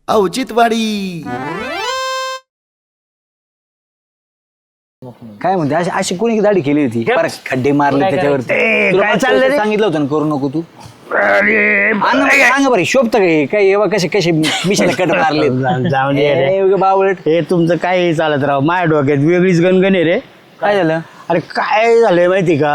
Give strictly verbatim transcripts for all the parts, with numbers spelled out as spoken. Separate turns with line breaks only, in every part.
औचित्यवाडी.
काय म्हणते अशी अशी कोणी दाढी केली होती खड्डे मारले त्याच्यावरती काय चाललं सांगितलं होतं करू नको तू सांगा बरं शोभत काय काय कसे कसे मिशाला कट मारले बावळट
हे तुमचं काय चालत राव माझ्या डोक्यात वेगळीच गणगण आहे रे.
काय झालं
अरे काय झालंय माहिती का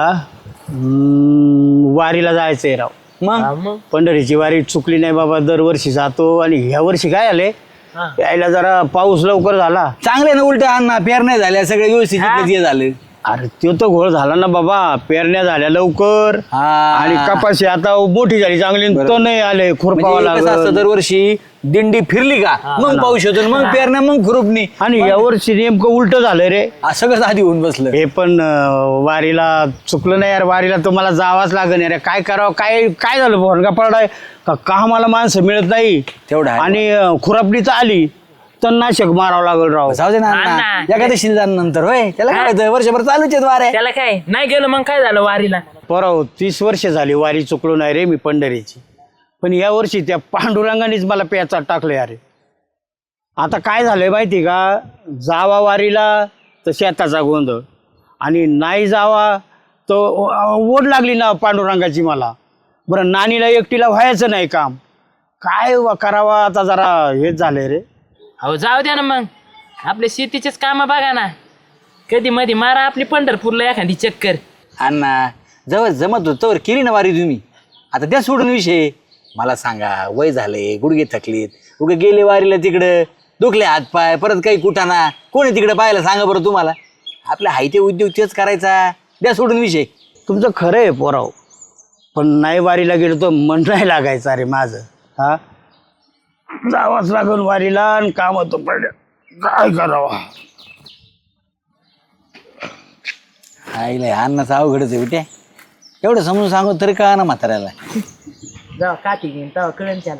वारीला जायचंय राव.
मग
पंढरीची वारी चुकली नाही बाबा दरवर्षी जातो आणि ह्या वर्षी काय आले यायला जरा पाऊस लवकर झाला
चांगले ना उलट अण्णा पेरण्या झाल्या सगळे व्यवस्थित झालं.
अरे तो तर घोळ झाला ना बाबा पेरण्या झाल्या लवकर आणि कपाशी आता मोठी झाली चांगली तो नाही आले खुरपावा लागला.
दरवर्षी दिंडी फिरली का मग पाऊस होतो मग पेरण्या मग खुरपणी
आणि यावर्षी नेमकं उलट झालं रे
सगळंच आधी होऊन बसलं.
हे पण वारीला चुकलं नाही यार वारीला तुम्हाला जावाच लागेल यार काय करावं काय काय झालं भोनगा पडाय का मला माणसं मिळत नाही
तेवढं
आणि खुरापणी तर आली तर नाशक मारावं लागल राव.
जाऊ दे ना एखाद्या नंतर होय त्याला काय वर्षभर चालूच आहेत वाऱ्या
त्याला काय नाही गेलं मग काय झालं वारीला
पोराव तीस वर्ष झाली वारी चुकलो नाही रे मी पंढरीची पण या वर्षी त्या पांडुरंगानेच मला पेचात टाकलं अरे. आता काय झालंय माहिती का जावा वारीला तर शेताचा गोंधळ आणि नाही जावा तर ओढ लागली ना पांडुरंगाची मला. बरं नानीला एकटीला व्हायचं नाही काम काय करावा आता जरा हेच झालंय रे.
हो जाऊ द्या ना मग आपले शेतीचेच काम बघा ना कधी मध्ये मारा आपली पंढरपूरला एखादी चक्कर.
अण्णा जवळ जमत होत तर केली ना वारी तुम्ही आता त्या सोडून विषय मला सांगा वय झाले गुडघे थकलीत उगे गेले वारीला तिकडं दुखले हात पाय परत काही कुठाना कोणी तिकडे पाहायला सांगा बरं तुम्हाला आपल्या हायते उद्योग तेच करायचा द्या सोडून विषय.
तुमचं खरं आहे पोराव पण नाही वारीला गेलो तर मन नाही लागायचं अरे माझं. हा जावाच लागून वारीला आणि काम होतं पडलं काय करावं.
आईला अन्नाचं अवघडच आहे बेटे एवढं समजून सांगू तरी का ना म्हाताऱ्याला.
जाऊ काठी घेऊन तेव्हा कळण त्याला.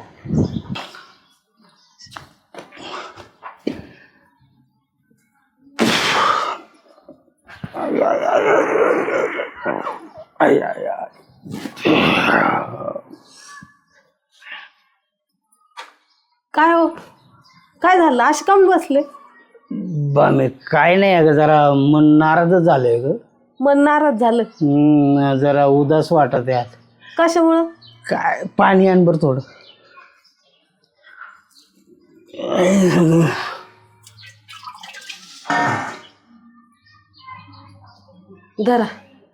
काय हो काय झालं अशी कम बसले
बामे काय नाही अगं जरा मन नाराजच झालंय ग.
मन नाराज झालं
हम्म, जरा उदास वाटत आहे आज.
कशामुळं
काय पाणी आण बरं थोडं.
धरा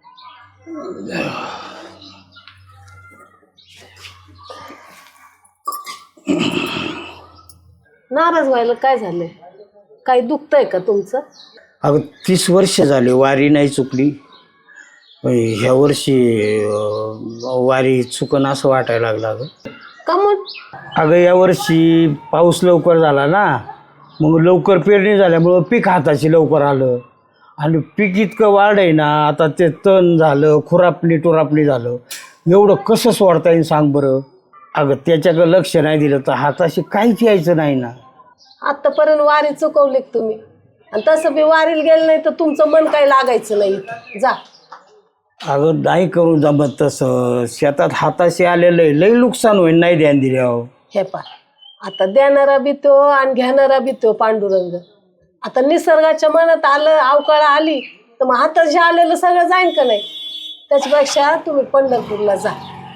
नाराज व्हायला काय झालंय काही दुखतंय का तुमचं.
अगं तीस वर्ष झाली वारी नाही चुकली ह्या वर्षी वारी चुकन असं वाटायला लागलं. अगं
का मग
अगं या वर्षी पाऊस लवकर झाला ना मग लवकर पेरणी झाल्यामुळं पीक हाताशी लवकर आलं आणि पीक इतकं वाढ आहे ना आता ते तण झालं खुरापणी टुरापणी झालं एवढं कसं सोडता येईल सांग बरं. अगं त्याच्याकडं लक्ष नाही दिलं तर हाताशी काहीच यायचं नाही ना.
आतापर्यंत वारी चुकवली तुम्ही आणि तसं बी वारीला गेलं नाही तर तुमचं मन काही लागायचं नाही जा.
अगं नाही करून जमत तसं शेतात हाताशी आलेलं आहे लई नुकसान होईल नाही ध्यान दिल्यावर.
हे पा आता देणारा बी तो आणि घेणारा बी तो पांडुरंग. आता निसर्गाच्या मनात आलं अवकाळ आली तर मग हाताशी आलेलं सगळं जाईन का नाही. त्याच्यापेक्षा तुम्ही पंढरपूरला जा.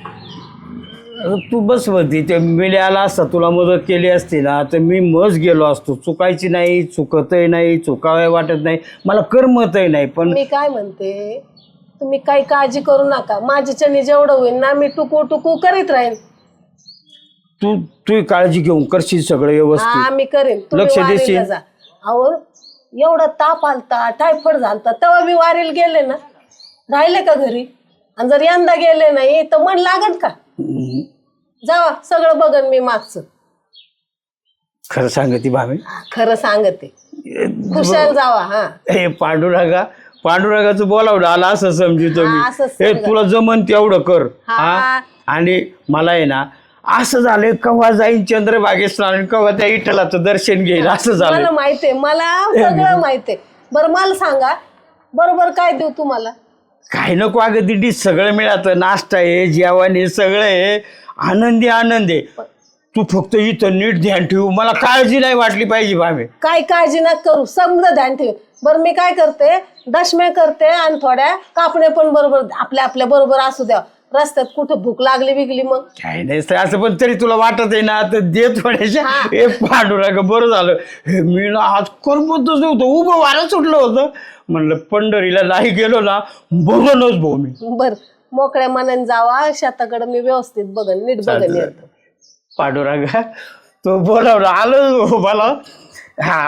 तू बस होती ते मेले आला असता तुला मदत केली असती ना तर मी मज गेलो असतो. चुकायची नाही चुकतही नाही चुकावे वाटत नाही मला करमतही नाही. पण
मी काय म्हणते तुम्ही काही काळजी करू नका माझ्याच्याने जेवढं होईल ना मी टुकू टुकू करीत राहीन.
तू तू काळजी घेऊन करशील सगळं
हा
व्यवस्थित
मी करेन
लक्ष देशील.
जा. अहो एवढा ताप आलता टायफॉइड झालता तेव्हा मी वारीला गेले ना राहिले का घरी आणि जर यंदा गेले नाही तर मन लागत का. जावा सगळं बघन मी मागचं.
खरं सांगते भावे
खरं सांगते खुशाल जावा. हा
हे पांडुरंगा पांडुरंगाचं बोलावलं आला असं समजितो मी.
हा, असंच
हे
समजा.
तुला जमन तेवढं कर.
हा.
हा आणि मला आहे ना असं झालंय केव्हा जाईन चंद्रभागेत स्नान केव्हा त्या विठ्ठलाचं दर्शन घेईल असं झालं.
मला माहितीये मला सगळं माहितीये. बरं मला सांगा बरोबर काय देऊ तुम्हाला.
काही नको अगं दिंडीत सगळं मिळालं नाश्ता आहे जेवण आहे सगळं आहे आनंदी आनंद आहे. तू फक्त इथं नीट ध्यान ठेवू, मला काळजी नाही वाटली पाहिजे भावे.
काय काळजी नका करू, समजा ध्यान ठेव. बरं मी काय करते, दशम्या करते आणि थोड्या कापण्या पण बरोबर आपल्या आपल्या बरोबर असू द्या. रस्त्यात कुठं भूक लागली बिगली मग
काय नाही असं, पण तरी तुला वाटत आहे ना तर दे थोड्याशा. हे पांडुरंग बरं झालं, हे मी ना आज करमतच नव्हतं, उभं वारं सुटलं होतं. म्हणलं पंढरीला नाही गेलो ना बघनच भाऊ मी.
बर मोकळ्या मनाने जावा, शेताकडे मी व्यवस्थित बघन, नीट बघन येतो.
पांडुरंग तो बोलावला आलो मला. हा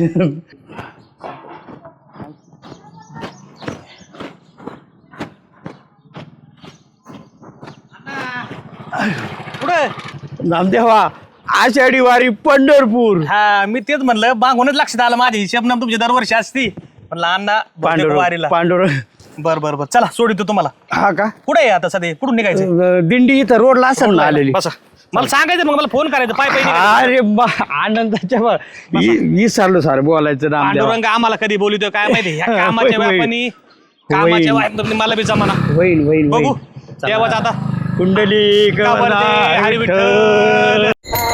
कुठं
नामदेवा, आषाढी वारी पंढरपूर.
हा मी तेच म्हणलं मागूनच लक्षात आलं माझ्या हिशेब तुमची दरवर्षी असती म्हणलं अण्णा
पांडुरंग
वारीला.
पांडुरंग
बर बर बर चला सोडितो तुम्हाला.
हा का?
कुठे आहे आता सध्या, कुठून निघायचं?
अं, दिंडी इथं रोडला असेल ना आलेली.
बसा, मला सांगायचं मग मला फोन करायचं पाय पाय निघायचं.
अरे बा आनंदाच्या बा- वि- विसरलो सर बोलायचं नाम.
पांडुरंग आम्हाला कधी बोलितो काय माहिती, ह्या
होय,
कामाच्या
होय.
व्यापानी कामाच्या
होय.
व्यापानी मला बी जमाना.
वहीन वहीन
बघू
वहीन.
देवाचं आता
कुंडली
का वरती हरी विठ्ठल.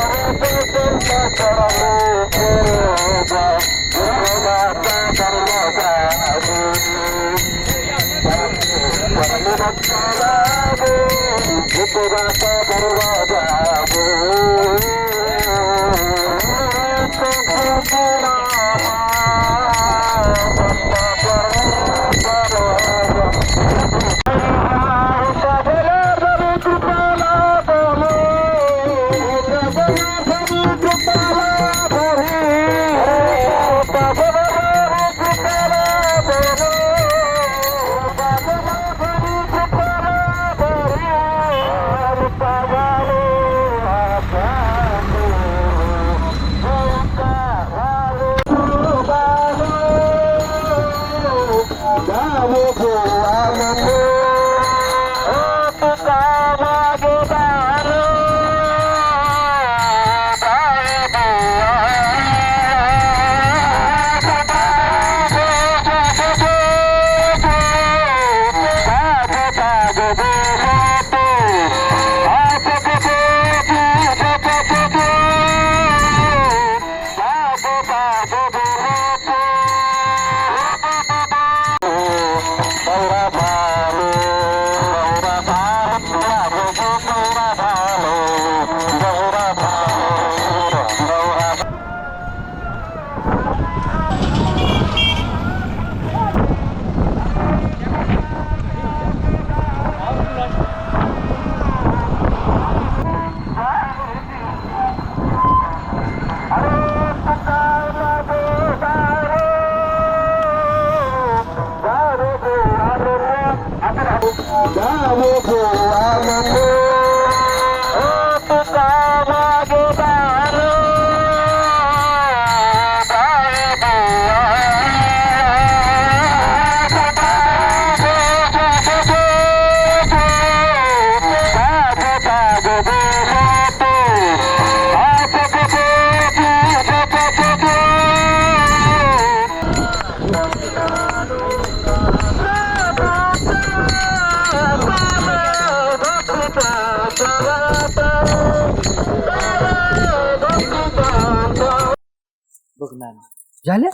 झाले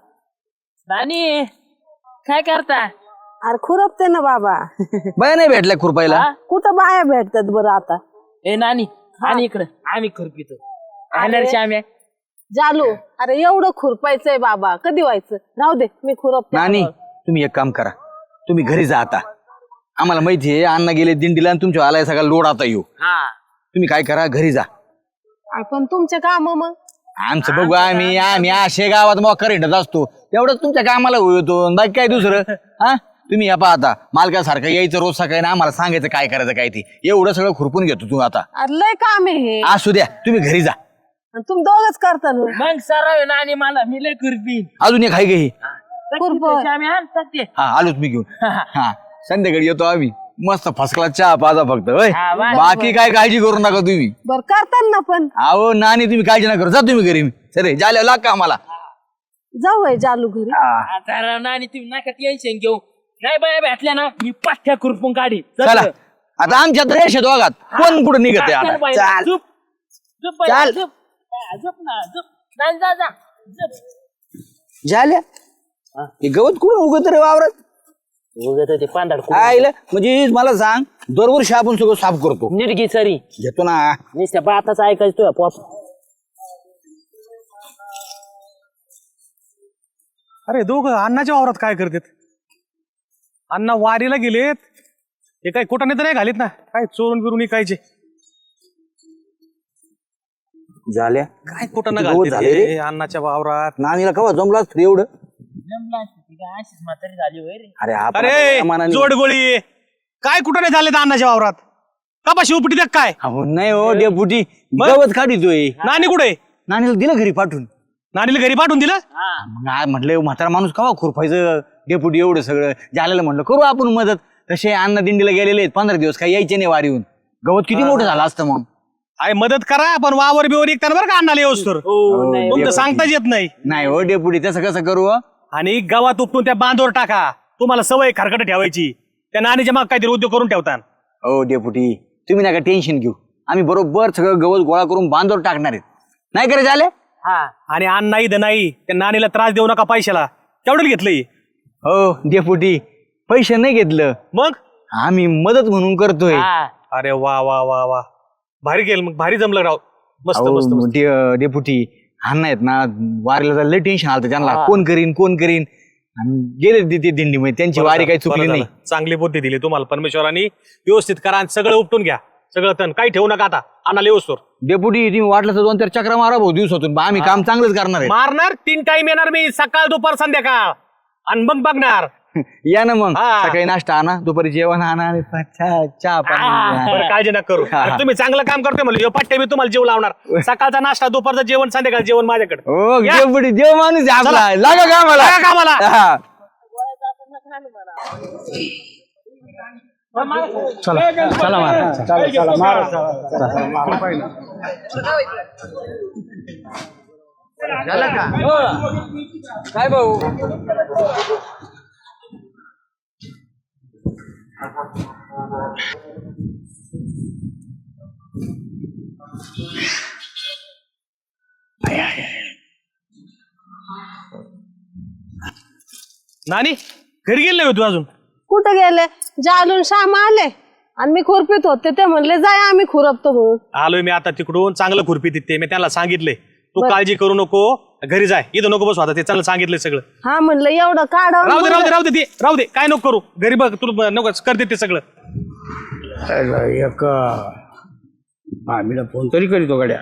नानी काय करता?
अरे खुरपते ना बाबा.
बाया नाही भेटल्या खुरपायला.
कुठं बाया भेटतात बरं आता.
ए नानी आणि इकडं आम्ही खुरपितो.
अरे.
आम्ही
जालू, अरे एवढं खुरपायचंय बाबा, कधी व्हायचं? राहू दे, मी खुरपते.
नानी तुम्ही एक काम करा, तुम्ही घरी जा आता. आम्हाला माहिती आहे अण्णा गेले दिंडीला आणि तुमच्या आलाय सगळा लोड आता येऊ.
हा
तुम्ही काय करा, घरी जा.
पण तुमचे काम मग
आमचं बघू, आम्ही आम्ही असे गावात मोकर हिंडत असतो, तेवढंच तुमच्या कामाला होतो. बाकी काय दुसरं? हा तुम्ही या पहा आता मालकासारखं यायचं रोज सकाळी ना, आम्हाला सांगायचं काय करायचं काय ते. एवढं सगळं खुरपून घेतो तू आता.
अरे लय काम आहे हे.
असू द्या, तुम्ही घरी जा.
आणि तुम्ही दोघच करता ना.
मग सराव नानी मला मी लय खुरपी
अजून एक हाय का ही?
आम्ही आणतात ते.
हा आलोच मी घेऊन. हा संध्याकाळी येतो आम्ही, मस्त फसकला चहा पाजा फक्त. होय
हा, वा.
बाकी काय काळजी करू नका तुम्ही.
बर करताना ना पण.
अहो नानी तुम्ही काळजी नका करू, जा तुम्ही घरी. सरे जाल्या लाग का आम्हाला.
जाऊ आहे जालू घरी.
आता नानी तुम्ही नका टेन्शन घेऊ. नाही बाया भेटल्या ना मी पाठ्या खुरपून काढी.
चला आता आमच्या रेषेत दोघात कोण कुठं निघत आहे आता. चाल.
झोप बाई,
चाल.
झोप. हा, झोप ना झोप. जा जा जा झोप.
झाल्या हे गवत कुठून उगत रे वावरात
उगत ते पांढर
आईला म्हणजे मला सांग दरवर्षी आपण सगळं साफ करतो
नीट सरी
घेतो ना
नुसत्या बाताच ऐकायचं तुझ्या पॉप.
अरे दोघं अण्णाच्या वावरात काय करतात? अण्णा वारीला गेलेत, हे काय कुठं तर नाही घालीत ना, काय चोरून बिरून इकायचे.
झाल्या
काय कुठं ना
किती गवत
घालते
झाले रे?
रे अण्णाच्या वावरात.
नानीला कवा जमला असतं रे एवढं
जमला असतं ती काय अशीच म्हातारी झाली होय रे.
अरे आपण
अरे
आपल्या मनाने-
जोडगोळी काय कुठं नाही झाले अण्णाच्या वावरात? कपाशी उपटी देत काय?
अहो, नाही हो डेपुटी गवत काढितोय
नानी कुठे?
नानीला दिलं घरी पाठवून
नानीला घरी पाठवून दिलं?
मग आ- म्हटलं म्हातारा माणूस कवा खुरपायचं डेपुटी एवढं सगळं झालेलं म्हटलं करू आपण मदत. तसे अन्न दिंडीला गेलेले आहेत पंधरा दिवस काही यायचे नाही वारीहून. गवत किती मोठं झालं असतं मग.
आहे मदत करा पण वावर बिवर इकताना बरं का अण्णाला येऊस तर
हो नाही
तुमचं सांगताच येत नाही.
नाही हो डेपुटी तसं कसं करू हो?
आणि गावात उपटून त्या बांधवर टाका. तुम्हाला सवय खरकट ठेवायची. त्या नानीच्या माग काहीतरी उद्योग करून ठेवतात.
हो डेपुटी तुम्ही नका टेन्शन घेऊ आम्ही बरोबर सगळं गवत गोळा करून बांधवर टाकणार आहेत नाही करे झाले.
हा
आणि अण्णा इथं नाही, त्या नानीला त्रास देऊ नका पैशाला. केवढं घेतलंय?
हो डेपुटी पैसे नाही घेतलं
मग
आम्ही मदत म्हणून करतोय.
हा
अरे वा वा वा वा भारी केलं मग, भारी जमलं राव. मस्त
अहो,
मस्त मस्त.
डे- डेपुटी अण्णा आहेत ना वारीला जायला लय टेन्शन आलं त्यांना कोण करीन कोण करीन आणि गेले ते- ते दिंडीमध्ये त्यांची वारी काही चुकली
बरं
नाही.
झालं. चांगली बुद्धी दिली तुम्हाला परमेश्वरांनी. व्यवस्थित करा आणि सगळं उपटून घ्या. सगळं तण काही ठेवू नका आता अण्णाला येऊस तर.
डेपुटी तुम्ही वाटलं तर दोन चार चक्रा मारा भाऊ दिवसातून बा, आम्ही काम चांगलंच करणार आहे.
मारणार तीन टाइम येणार मी, सकाळ दुपार संध्याकाळ, आणि मग बघणार.
या ना मग
हा.
सकाळी नाश्ता आणा दुपारी जेवण आणा आणि चहा चहा पाणी
बरं काळजी नका करू.
हा.
अरे तुम्ही चांगलं काम करतोय म्हणलं ह्यो पट्टे मी तुम्हाला जेव लावणार. सकाळचा नाश्ता, दुपारचं जेवण, संध्याकाळचं जेवण माझ्याकडे.
हो
या.
डेपुटी देव माणूस आहे आपला
चला.
लागा कामाला
लागा कामाला.
हा.
चला चला महाराज चला चला महाराज चला.
काय भाऊ
नानी घरी गेले होतो अजून?
कुठं गेले? जालून श्याम आले आणि मी खुरपीत होते, ते म्हणले जाय आम्ही खुरपतो म्हणून.
आलोय मी आता तिकडून. चांगलं खुरपी तिथे मी त्यांना सांगितलंय तू काळजी करू नको, घरी जाय, इथं नको बसू आता. ते चांगलं सांगितलंय सगळं.
हा म्हणलं एवढं काढ.
राहू दे राहू दे राहू दे ते राहू दे, काय नको करू. घरी बघ तुला नको करते ते सगळं.
अरे, एक आम्हीला फोन तरी करीतो गड्या.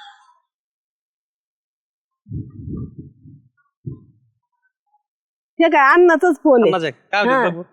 हे काय अन्नाचाच फोन आहे.
समज आहे. काय होतं
हा.
बघू.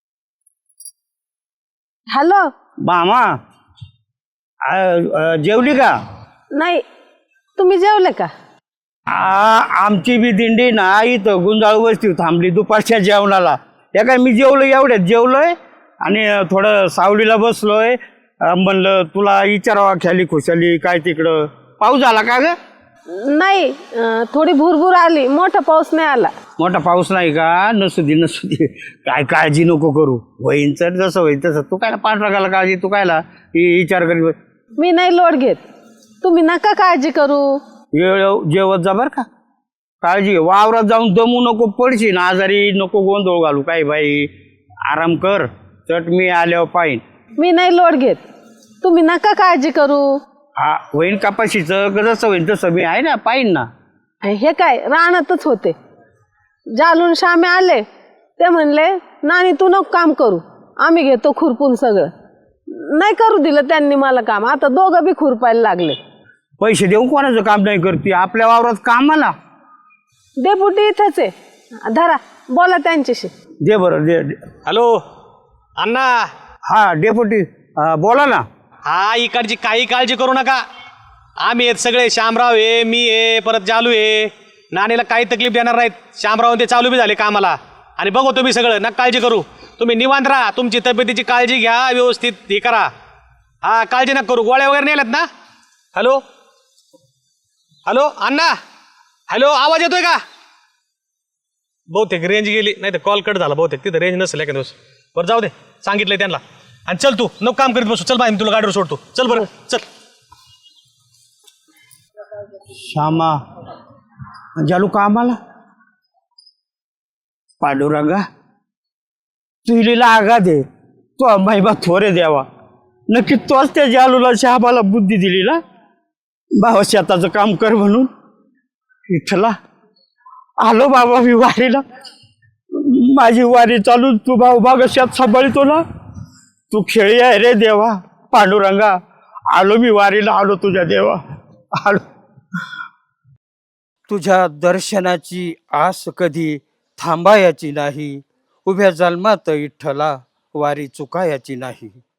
हॅलो.
मामा आ, अ, जेवली का?
नाही, तुम्ही जेवले का?
आ, आमची बी दिंडी ना इथं गुंजाळ वस्ती थांबली दुपारच्या जेवणाला. या काय मी जेवलो एवढ्यात जेवलोय आणि थोडं सावलीला बसलोय. अ, म्हणलं तुला विचारावा ख्याली खुशाली काय तिकडं पाऊस झाला का ग?
नाही, अं, थोडी भुरभुर आली, मोठा पाऊस नाही आला.
मोठा पाऊस नाही का? नसू दे नसू दे काय काळजी नको करू. होईन तर जसं होईन तसं. तू काय पाठरागाला काळजी तू कायला इ- विचार करी.
मी नाही लोड घेत, तुम्ही नका काळजी करू.
वेळ जेवत जा बरं का. काळजी घे. वावरात जाऊन दमू नको पडशील आजारी नको गोंधळ घालू. काय बाई आराम कर. चट मी आल्यावर पाहिन.
मी नाही लोड घेत, तुम्ही नका काळजी करू.
हा होईन कपाशीचं जसं होईन तसं मी आहे ना पाहिन ना.
हे काय रानातच होते. जालून श्यामे आले, ते म्हणले नानी तू नको काम करू, आम्ही घेतो खुरपून सगळं. नाही करू दिलं त्यांनी मला काम. आता दोघं बी खुरपायला लागले.
पैसे देऊन कोणाचं काम नाही करते आपल्या वावरात कामाला.
डेपुटी इथंच आहे, धरा बोला त्यांच्याशी.
दे बरं दे दे.
हॅलो अण्णा.
हा डेपुटी अं, बोला ना.
हा इकडची काही काळजी करू नका. आम्ही आहेत सगळे. श्यामराव आहे, मी आहे, परत जालू आहे. नानीला काही तकलीफ देणार नाहीत. श्यामराव ते चालू बी झाले कामाला. आणि बघू तुम्ही सगळं, नका काळजी करू. तुम्ही निवांत राहा, तुमची तब्येतीची काळजी घ्या, व्यवस्थित हे करा. हा काळजी नका करू. गोळ्या वगैरे नेल्यात ना? हॅलो हॅलो अण्णा. हॅलो आवाज येतोय का? बहुतेक रेंज गेली, नाही तर कॉल कट झाला बहुतेक. तिथं रेंज नसेल एका दिवस. बरं जाऊ दे, सांगितलंय त्यांना. आणि चल तू नको काम करीत बसू. चल बाय मी तुला गाडीवर सोडतो. चल बरं चल.
श्यामा जालू कामाला पांडुरंगा तुला आगा दे तो महिमा थोरे द्यावा नक्की तोच त्या जालूला श्यामाला बुद्धी दिली ना भावा शेताचं काम कर म्हणून इथला आलो बाबा मी वारीला माझी वारी चालून तू भाऊ बाग शेत सांभाळतो ना तू खेळी आहे रे देवा पांडुरंगा आलो मी वारीला आलो तुझ्या देवा आलो तुझ्या दर्शनाची आस कधी थांबायाची नाही उभ्या जन्मात विठ्ठला वारी चुकायाची नाही